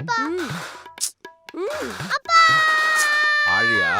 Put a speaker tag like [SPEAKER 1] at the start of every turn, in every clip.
[SPEAKER 1] அப்பா
[SPEAKER 2] ம். ம்.
[SPEAKER 1] அப்பா
[SPEAKER 3] ஆழியா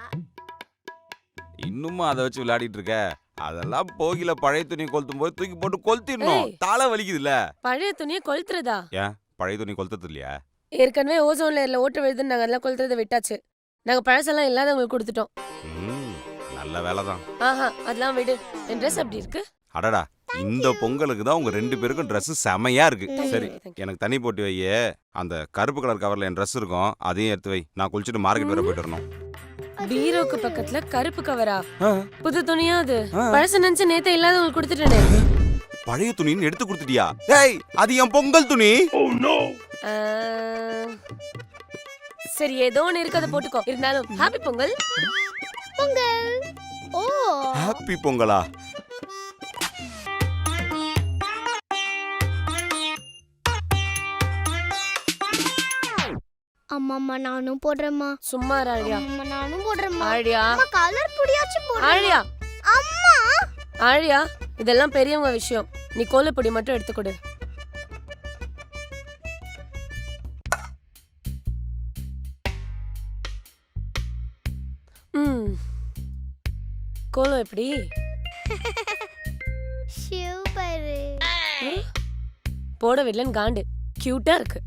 [SPEAKER 3] இன்னுமா அதை வச்சு விளையாடிட்டு இருக்க? அதெல்லாம் போகில பழைய துணி கொளுத்தும் போது தூக்கி போட்டு கொளுத்திடணும்.
[SPEAKER 2] ஏய்.
[SPEAKER 3] தலை வலிக்குதுல்ல.
[SPEAKER 2] பழைய துணியை கொளுத்துறதா?
[SPEAKER 3] ஏன் பழைய துணி கொளுத்தது இல்லையா?
[SPEAKER 2] ஏற்கனவே ஓசோன் லேயர்ல ஓட்ட விழுதுன்னு நாங்க அதெல்லாம் கொளுத்துறதை விட்டாச்சு. நாங்க பழசெல்லாம் இல்லாதவங்களுக்கு கொடுத்துட்டோம்.
[SPEAKER 3] நல்ல வேலை தான்.
[SPEAKER 2] ஆஹா அதெல்லாம் விடு. என் ட்ரெஸ் அப்படி இருக்கு.
[SPEAKER 3] அடடா இந்த பொங்கலுக்கு தான் உங்க 2 பேருக்கும் Dress செமையா இருக்கு.
[SPEAKER 2] Thank you,
[SPEAKER 3] சரி
[SPEAKER 2] thank you.
[SPEAKER 3] எனக்கு தண்ணி போட்டு வையே. அந்த கருப்பு கலர் கவர்ல என் Dress இருக்கும், அதையும் எடுத்து வை. நான் குளிச்சுட்டு மார்க்கெட் வர போயிட்டு வரணும்.
[SPEAKER 2] பீரோக்கு பக்கத்துல கருப்பு கவரா?
[SPEAKER 3] ஆ,
[SPEAKER 2] புது துணியா அது?
[SPEAKER 3] ஆ.
[SPEAKER 2] பழசு நினைச்சு நேத்தே இல்லாதவங்களுக்கு கொடுத்துட்டேனே.
[SPEAKER 3] பழைய துணின்னு எடுத்து கொடுத்துட்டியா? ஏய் அது என் பொங்கல் துணி.
[SPEAKER 2] ஆ, சரி ஏதோ ஒன்று இருக்கு அதை போட்டுக்கோ. இருந்தாலும் ஹாப்பி பொங்கல்.
[SPEAKER 1] பொங்கல். ஓ
[SPEAKER 3] ஹாப்பி பொங்கலா?
[SPEAKER 1] அம்மா நானும் போடுறேம்மா.
[SPEAKER 2] சும்மா இரு ஆழியா.
[SPEAKER 1] அம்மா நானும் போடுறேம்மா.
[SPEAKER 2] ஆழியா
[SPEAKER 1] அம்மா கலர் பொடியாச்சும் போடு.
[SPEAKER 2] ஆழியா
[SPEAKER 1] அம்மா
[SPEAKER 2] ஆழியா இதெல்லாம் பெரியவங்க விஷயம். நீ கோலப்பொடி மட்டும் எடுத்துக்கொடு. ம் கோலம் எப்படி?
[SPEAKER 1] சூப்பர்.
[SPEAKER 2] போட விடலன்னு காண்டு. கியூட்டா இருக்கு.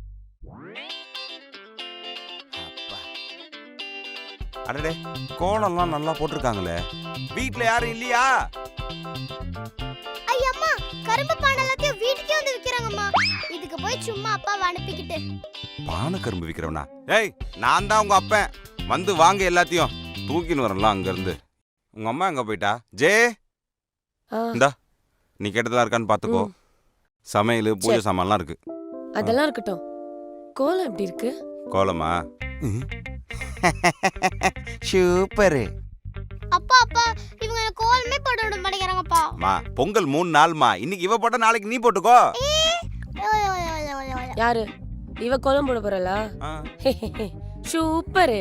[SPEAKER 3] அடடே கோலம்லாம் நல்லா போட்டிருக்காங்களே. வீட்ல யாரும் இல்லையா?
[SPEAKER 1] ஐயம்மா கரும்பு பானை எல்லாத்தையும் வீட்டுக்கே வந்து விக்கிறாங்கம்மா. இதுக்கு போய் சும்மா அப்பாவை அனுப்பிக்கிட்டு.
[SPEAKER 3] பானை கரும்பு விக்கிறவனா? ஏய் நான் தான் உங்க அப்பன். வந்து வாங்க எல்லாத்தையும். தூக்கின்னு வரலாம் அங்க இருந்து. உங்க அம்மா எங்க போயிட்டா? ஜே
[SPEAKER 2] ஆ,
[SPEAKER 3] இந்தா நீ கேட்டதெல்லாம் இருக்கான்னு பாத்துக்கோ.
[SPEAKER 2] ம்.
[SPEAKER 3] சமையல் பூஜை சாமான்லாம் இருக்கு.
[SPEAKER 2] அதெல்லாம் இருக்கட்டும். கோலம் எப்படி இருக்கு?
[SPEAKER 3] கோலமா? சூப்பர்.
[SPEAKER 1] அப்பா அப்பா இவங்க எனக்கு கோலமே போட விட மாட்டேங்கிறாங்கப்பா.
[SPEAKER 3] மா பொங்கல் 3 நாள்மா. இன்னைக்கு இவ போட்ட நாளைக்கு நீ போட்டுக்கோ.
[SPEAKER 2] யாரு இவ கோலம் போட போறலா?
[SPEAKER 3] ஆ.
[SPEAKER 2] சூப்பர்.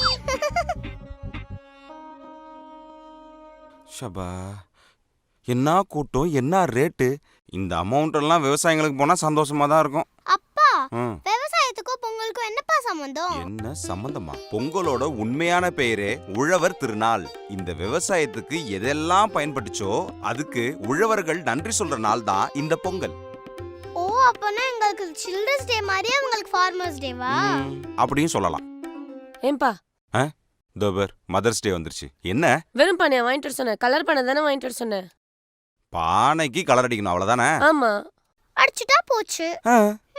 [SPEAKER 3] ஷபா என்ன கூட்டம், என்ன ரேட்டு. இந்த அமௌண்ட் எல்லாம் விவசாயிங்களுக்கு போனா சந்தோஷமா தான் இருக்கும்.
[SPEAKER 1] அப்பா
[SPEAKER 3] ம்.
[SPEAKER 1] விவசாயத்துக்கும் பொங்கலுக்கும் என்னப்பா சம்பந்தம்?
[SPEAKER 3] என்ன சம்பந்தமா? பொங்கலோட உண்மையான பெயரே உழவர் திருநாள். இந்த விவசாயத்துக்கு எதெல்லாம் பயன்பட்டுச்சோ அதுக்கு உழவர்கள் நன்றி சொல்ற நாள் தான் இந்த பொங்கல்.
[SPEAKER 1] ஓ அப்பனா எங்களுக்கு சில்ட்ரன்ஸ் டே மாதிரியே உங்களுக்கு ஃபார்மர்ஸ் டேவா?
[SPEAKER 3] அப்படியும் சொல்லலாம்.
[SPEAKER 2] ஏன்பா
[SPEAKER 3] தோபர் மதர்ஸ் டே வந்துருச்சு. என்ன
[SPEAKER 2] வெறும் பானையா வாங்கிட்டு வர சொன்ன? கலர் பானை தானே வாங்கிட்டு வர சொன்ன?
[SPEAKER 3] பானைக்கு கலர் அடிக்கணும் அவ்வளவுதானே?
[SPEAKER 2] ஆமா.
[SPEAKER 1] அடிச்சுட்டா போச்சு.